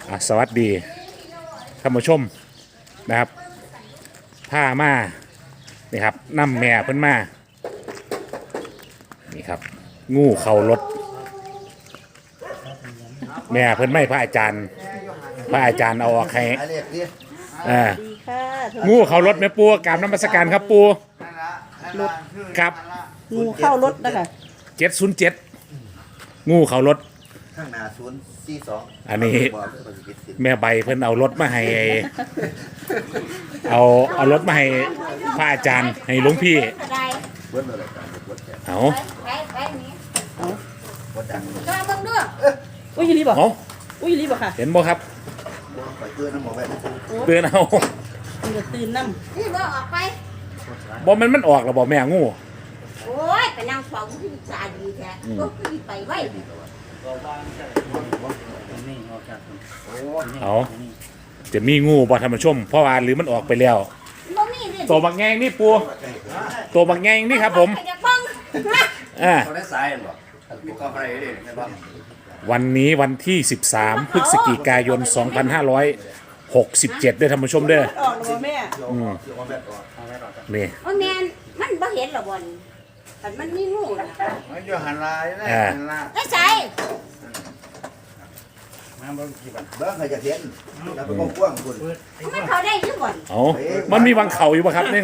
สวัสดีท่านผู้ชมนะครับผ้ามานี่ครับน้ำแม่เพิ่นมานี่ครับงูเข่ารถแม่เพิ่นไม่พระอาจารย์เอาออกให้ดีค่ะงูเข่ารถแม่ปูกราบนมัสการครับปูครับงูเข้ารถนะคะ 707งูเข่ารถข้างหน้า042 อันนี้แม่ใบเพิ่นเอารถมาให้เอารถมาให้พระอาจารย์ให้หลวงพี่เอาอุ้ยรีบบอกอุ้ยรีบบอกค่ะเห็นบ่ครับเตือนน้ำหมอไปเตือนเอาตื่นน้ำนี่บ่ออกไปบ่มันออกแล้วบ่แม่งูโอ้ยไปนั่งฟังที่จาดีแท้ก็คือไปไว้เอาจะมีงูบ่ท่านผู้ชมเพราะว่าหรือมันออกไปแล้วตัวบักแงงนี่ปูตัวบักแงงนี่ครับผมวันนี้วันที่13พฤศจิกายน2567ด้วยท่านผู้ชมเด้อออกแล้วแม่นี่ว่าแม่มันบ่เห็นหรอกบ่แต่มันมีงูนะมันอยู่หันลายนะหันลายไอ้ใส่เบิ้งใครจะเห็นแล้วเป็นกว้างคุณมันเขาได้ยังบ่เอามันมีวังเขาอยู่ป่ะครับนี่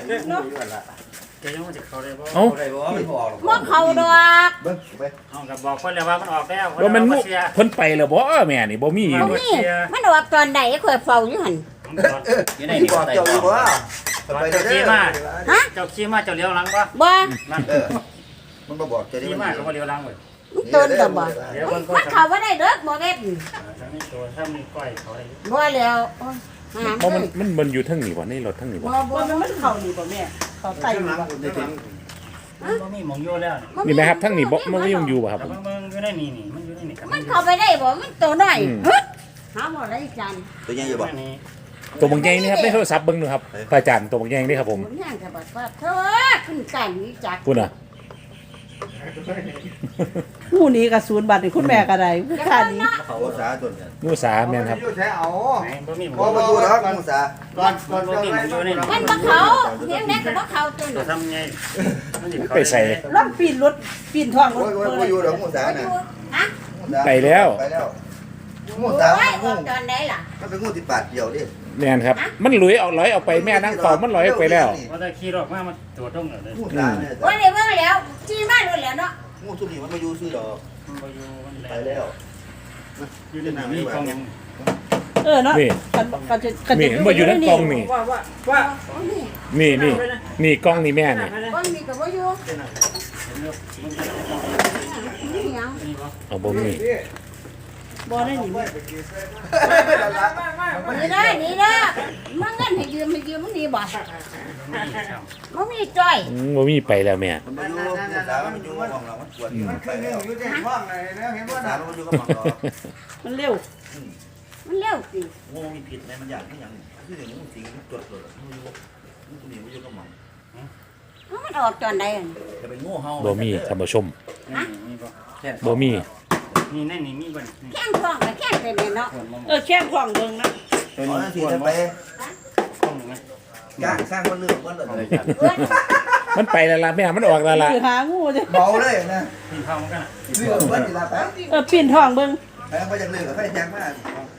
เอาบ่เขาดอกเบิ้งไปบอกเพิ่นแล้วว่ามันออกแล้วว่ามันงูเพิ่นไปแล้วบ่แม่นี่บ่มีอยู่มันออกตอนใดข่อยเฝ้าอยู่หั่นอยู่ในนี่บอกเจ้าอยู่บ่ไปเจ้าขี้มาเจ้าขี้มาเจ้าเลี้ยวหลังบ่บ่มันบ่บอกจะได้ขี้มาก็บ่เลี้ยวหลังเว้ยมันต้นดอกบ่มันเข้าบ่ได้เด้อบ่แม่นถ้ามีก้อยเขาได้บ่แล้วมันอยู่ทั้งนี้บ่ในรถทั้งนี้บ่มันเข่านี่ป่ะแม่เขาไต่บ่บ่มีหมองอยู่แล้วนี่ไหมครับทั้งนี้บ่มันก็ยังอยู่บ่ครับมึงอยู่ในนี่มันอยู่ในนี่มันเข้าไปได้บ่มันตัวน้อยหาบ่ได้จันตัวใหญ่อยู่บ่ตัวบางแยงนี่ครับในโทรศัพท์เบิ่งดูครับพระอาจารย์ตัวบางแยงนี่ครับผมย่างจะบอกว่าเธอขึ้นกันนี้จักคุณอ่ะงูนี้กับ0 บาทนี่คุณแม่ก็ได้ค่านี้เขาสาตัวเนี่ยงูสาแม่นครับอยู่แท้เอาบ่มีหมองบ่อยู่แล้วงูสาก่อนบ่มีหมองอยู่นี่มันบ่เขาเพียงนั้นก็บ่เขาตัวนี้ทำไงมันสิไปใส่ล่องปีนรถปีนท้องรถบ่อยู่แล้วงูสาน่ะฮะไปแล้วงูสางูตอนไหนล่ะมันเป็นงูที่ปาดเดียวดิแม่นครับมันลอยออกไปแม่นั่งเฝ้ามันลอยออกไปแล้วว่าได้ขี่รถมาตัวตรงเลยงูสาเนี่ยว่าได้เบิ่งแล้วจี้มาโดนแล้วเนาะงูสุนีมันมาอยู่ซื้อดอกมันบ่อยู่มันไปแล้วอยู่ในนี่กองยังเนาะนี่มันอยู่ในกล่องนี่นี่กล่องนี่แม่นี่กล่องนี่ก็บ่อยู่เอาบ่มีบ่ได้หนีนี่เด้อมันเงินให้ยืมมึงนี่บ่บ่มีจ้อยบ่มีไปแล้วแม่มันอยู่สามันอยู่ห้องเรามันปวดมันไปแล้วอยู่ในห้องเลยแล้วเห็นว่าสามันอยู่กับหมอมันเร็วสิงูมีผิดไหมมันอยากให้อย่างคืออย่างงูสิงมันตรวจเลยมันอยู่มันอยู่กับหมอมันออกตอนใดจะเป็นงูเห่าบ่มีท่านผู้ชมบ่มีนี่ในนี่มีบ่แข้งท้องกับแข้งเต็มเลยเนาะแข้งท้องเบิ่งนะตัวนี้สิจะไปสร้างคนเลือกคนเลยมันไปแล้วล่ะแม่มันออกแล้วล่ะหางูจ้ะเบาเลยนะปีนท้องกันเลือกคนอีลาแป๊บปีนท้องเบิ่งแป๊บก็ยังเลือกกับไฟแจ้งมาก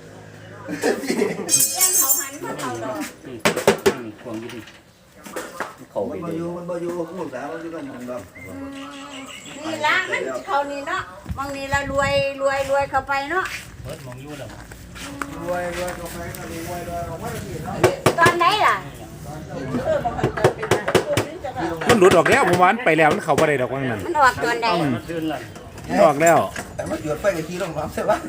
แข้งเขาหันมาเขาดอกนี่ควงอยู่ดิเขามันบ่อยู่งูสามันอยู่กับมันดอกนี่ละมันเขานี่เนาะบางนี้ละรวยเข้าไปเนาะเปิดมองอยู่แล้วรวยเข้าไปก็รวยออกมาสิเนาะตอนไหนล่ะมันหลุดออกแล้วผมว่ามันไปแล้วมันเข้าบ่ได้ดอกว่างั้นมันออกตอนใดมันขึ้นแล้วออกแล้วแต่มันหยุดไปกับทีลงน้ำใช่ป่ะ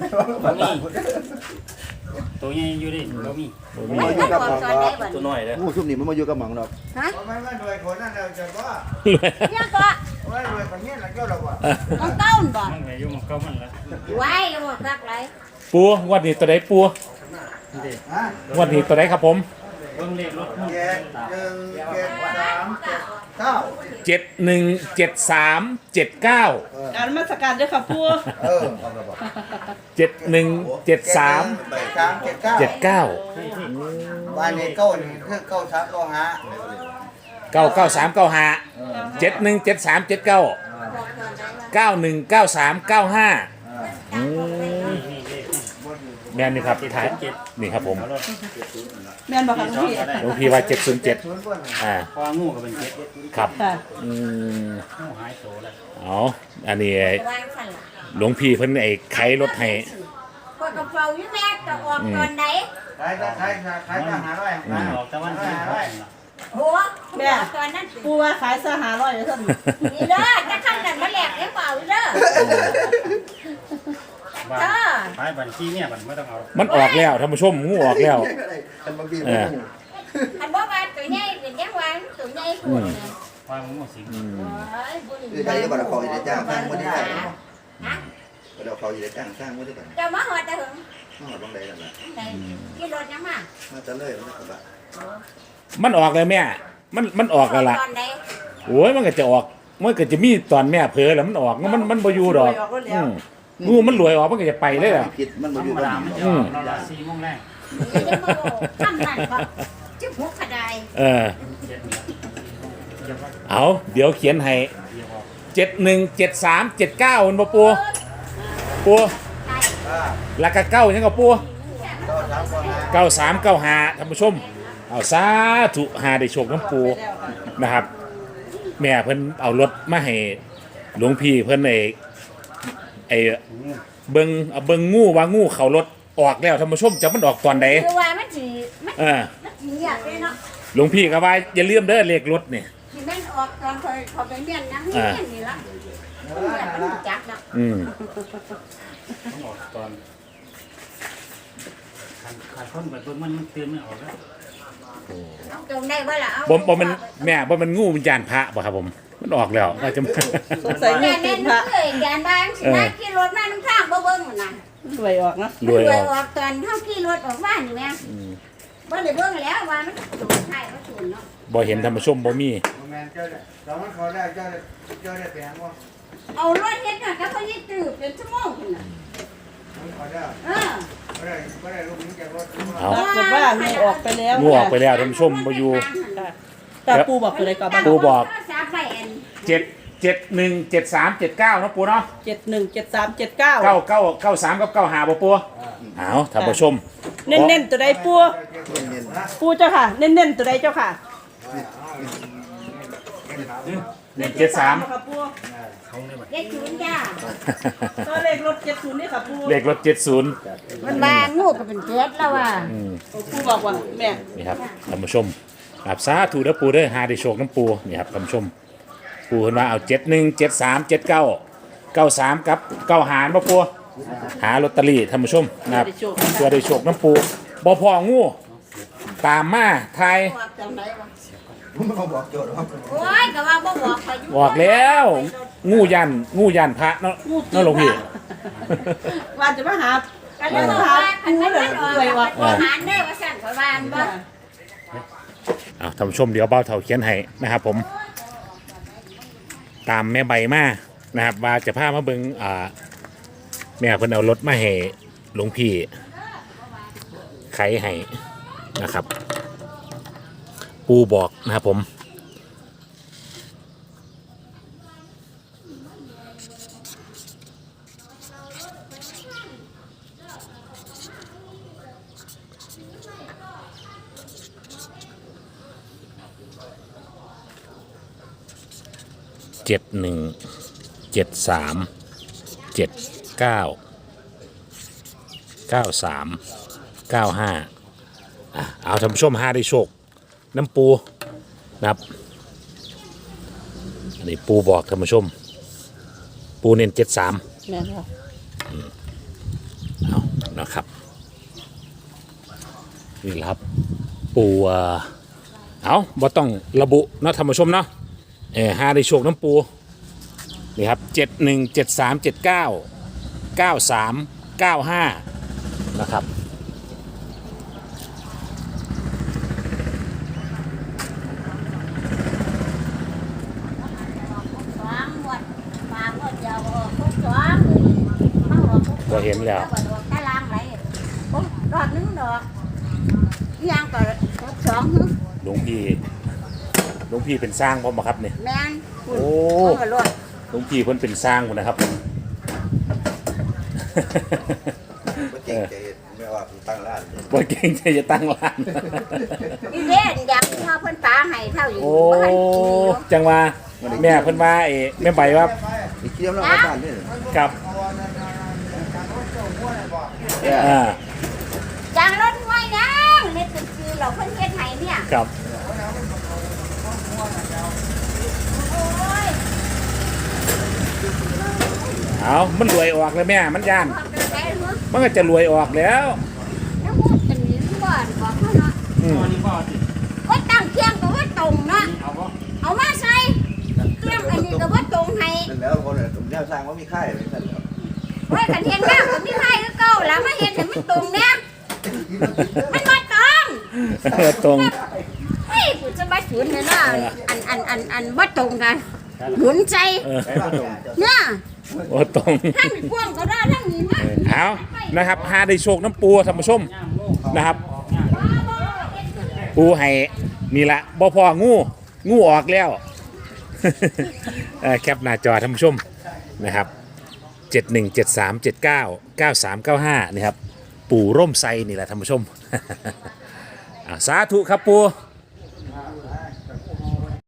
ตัวใหญ่อยู่ดิบ่มีมันอยู่กับหมองตัวน้อยเด้องูซุ่มนี่มันมาอยู่กับหมองดอกฮะไม่รวยคนนั้นเราจะว่าเนี่ยก็รวยคนนี้แล้วก็เราว่ามันเต้าบ่มันอยู่มันก็มันละไว้บ่ซักไรปูวันนี้ตัวใดปูวันนี้ตัวใดครับผมเบิ่งเลขรถ 1 7 3 717379 การนมัสการด้วยค่ะปูเอาระบอก 717379 ใบกลาง79บ้านนี้เก้านี่คือเก้าชักเก้าหา 99395 717379 919395แม่นนี่ครับท้ายนี่ครับผมแม่นบอกค่ะหลวงพี่หลวงพี่ว่า707 ศูนย์บนพองูก็เป็นเจ็ดครับค่ะงูหายโตแล้วเอาอันนี้วางสั่นล่ะหลวงพี่เพิ่นไอ้ไขรถให้พอกระเป๋าอยู่แม่จะออกตอนไหนขายก็หาร้อยมันออกตะวันที่ร้อยโหตอนนั้นปูว่าขายเสื้อหาร้อยเลยท่านนี่เด้อจะขั้นนั้นมาแหลกให้เปล่าเด้อบ้านขายบัญชีเนี่ยมันไม่ต้องเอามันออกแล้วท่านผู้ชมงูออกแล้วกันบางทีอันบ่ว่าตัวใหญ่เป็นยังวางตัวใหญ่พูดวางงูสิงใครจะบอกเขาจะจ้างสร้างไม่ได้ฮะเราเขาจะจ้างสร้างไม่ได้แบบจะมาหอดตะหึงต้องหาบ้างใดกันละไหนกี่รถยังมามาจะเลยมันก็แบบมันออกเลยแม่มันออกแล้วล่ะตอนไหนโอ้ยมันก็จะออกมันก็จะมีตอนแม่เผลอแล้วมันออกมันบ่อยู่ดอกงูมันรวยออกมันก็จะไปเลยล่ะผิดมันธรมาอยู่รมบ้าดาน มันจะออกเราละ4 โมงแรกนี่จะมาบอกทำนั่นบ่จะพุกขดายเออเจ็ดเนี่ยเดี๋ยวว่าเอาเดี๋ยวเขียนให้เดี๋ยวออก 717379มันบ่ปูแล้วก็9ยังก็ปูก็ทำก่อนนะ 9395ท่านผู้ชมเอาสาธุหาได้โชคน้ำปูนะครับ แม่เพิ่นเอารถมาให้หลวงพี่เพิ่นไอ้เบิ่งงูว่างูเขารถออกแล้วท่านผู้ชมจะมันออกตอนใดคือว่ามันสิมันเออสิอยากเลยเนาะหลวงพี่ก็ว่าอย่าลืมเด้อเลขรถนี่สิแม่นออกตอนเขาไปเรียนนะเรียนนี่ล่ะมันจักเนาะอืมต้องออกตอนขาดคนไปเบิ่งมันตื่นไม่ออกแล้วเอาตรงได้บ่ล่ะเอาบ่มันแม่บ่มันงูวิญญาณพระบ่ครับผมมันออกแล้วว่าจะสงสัยแม่เงินแม่ติดพระเคยแกนบ้านสินะขี่รถมาน้ำทางบ่เบิ่งน่ะรวยออกนะรวยออกออกตอนเฮาขี่รถออกบ้านนี่แม่บ่ได้เบิ่งแล้วว่ามันสูงท้ายว่าสูงเนาะบ่เห็นท่านผู้ชมบ่มีแมนเจ้าเนี่ยเรามันเขาได้เจ้าได้แพงว่าเอารถเฮ็ดน่ะก็เขายึดตื้อเป็นชั่วโมงพุ่นน่ะเขาได้เออไม่ได้ลูกนี้จากรถเอาปรากฏว่างูออกไปแล้วงูออกไปแล้วท่านผู้ชมบ่อยู่แต่ปูบอกคืออะไรก่อนบ้างปูบอกสามไปอัน 717379เนาะปูเนาะ 717379 9993กับ95บ่ปูเอาท่านผู้ชมเน้นๆตัวใดปูปูเจ้าค่ะ เน้นๆตัวใดเจ้าค่ะ 173 ค่ะปูเด็กศูนย์จ้าตัวเลขรถ70นี่ค่ะปูเลขรถ70 มันมางูก็เป็นเจ็ดแล้วว่ะปูบอกว่าแม่นี่ครับท่านผู้ชมครับสาธุเด้อปูเด้อหาได้โชคน้ำปูนี่ครับท่านผู้ชมปูเพิ่นว่าเอา71737993กับ9หารบ่ปูหาลอตเตอรี่ท่านผู้ชมนะครับเพื่อได้โชคน้ำปูบ่พองูตามมาทายบอกจังไดวะผมเขาบอกโจทย์ว่าโอ้ยก็ว่าบ่บอกเขาอยู่บอกแล้วงูยันพระเนาะเนาะหลวงพี่ว่าจะมาหาก็เลยบอกว่าคันมันออกแล้วมันอาหารเด้อว่าสั่นข่อยว่าอันบ่เอาท่านผู้ชมเดี๋ยวเบ้าเท่าเขียนให้นะครับผมตามแม่ใบมานะครับว่าจะพามาเบิ่งแม่เพิ่นเอารถมาให้หลวงพี่ไขให้นะครับ ปูบอกนะครับผม7173799395เอาท่านผู้ชมหาได้โชคน้ำปูนะครับอันนี้ปูบอกท่านผู้ชม ปูเน้น73 แม่ค่ะเอานะครับนี่แหละครับปูเอาบ่ต้องระบุเนาะท่านผู้ชมเนาะหาได้โชคน้ำปูนี่ครับ7173799395นะครับเห็นแล้วดอกตารางไหลโอ้ดอกนึงดอกอีหยังก็62หึหลวงพี่เป็นสร้างพร้อมบ่ครับเนี่ยแม่นคุณโอ้เอาก็รถหลวงพี่เพิ่นเป็นสร้างพุ่นนะครับบ่เก่งใจไม่ว่าตั้งร้านบ่เก่งใจจะตั้งร้านอีเด่นอยากพาเพิ่นปาให้เท่าอยู่โอ้บ่ทันกินอยู่จังว่าแม่เพิ่นว่าแม่ใบว่าอีกเที่ยวเราบ้านนี่กับอ่าจางรถไว้ยังเล็ดเป็นคือเราเพิ่นเฮ็ดให้เนี่ยครับโอ้ยเอามันรวยออกเลยแม่มันย่านความกระแดงเนาะมันก็จะรวยออกแล้วแล้วพูดกันนี้บ่อนบอกเขาเนาะอืมตอนนี้ก็สิก็ตั้งเที่ยงก็ว่าตรงเนาะเอาบ่เอามาใส่เที่ยงอันนี้ก็ว่าตรงให้นั่นแล้วคนเนี่ยแนวสร้างว่ามีค่ายเลยท่านไว้กันเฮ็ดแล้วก็มีให้คือเก่าแล้วมาเฮ็ดให้มันตรงเนี่ยมันบ่ตรงตรงเฮ้ยกูจะมาสวนเนี่ยนะอันบ่ตรงกันหมุนใจเออเนี่ยโอ้ตรงทั้งกว้างก็ได้ทั้งนี้นะเอานะครับหาได้โชคน้ำปูท่านผู้ชมนะครับ ปูให้นี่ละบ่พองูออกแล้ว แคปหน้าจอท่านผู้ชมนะครับ 7173799395นี่ครับ ปู่ร่มไซนี่แหละท่านผู้ชม สาธุครับปู